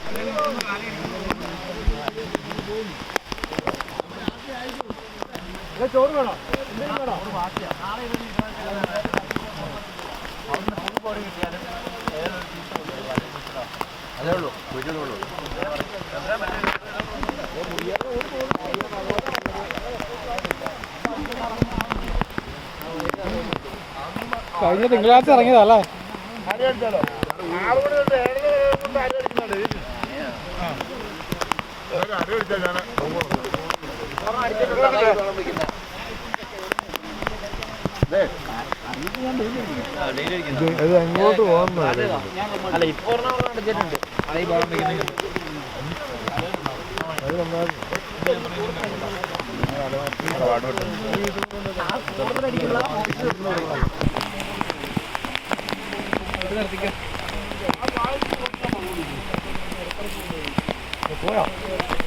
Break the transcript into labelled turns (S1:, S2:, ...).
S1: ചോറ് വേണോ? അതേ ഉള്ളൂ, വീട്ടിലുള്ളൂ.
S2: കഴിഞ്ഞ തിങ്കളാഴ്ച ഇറങ്ങിയതല്ലേ?
S1: അരി അടിച്ചാലോ? 6 മണി തൊട്ട് 7 കൊണ്ട് അരി അടിക്കുന്നുണ്ട്. അരി അടിച്ചാൽ ഞാൻ ഇത് എങ്ങോട്ട് പോകുന്നു?
S3: അല്ല ഇപ്പൊ അടിച്ചിട്ടുണ്ട്. അത് ഈ ബോളം വയ്ക്കുന്ന
S2: പോയോ?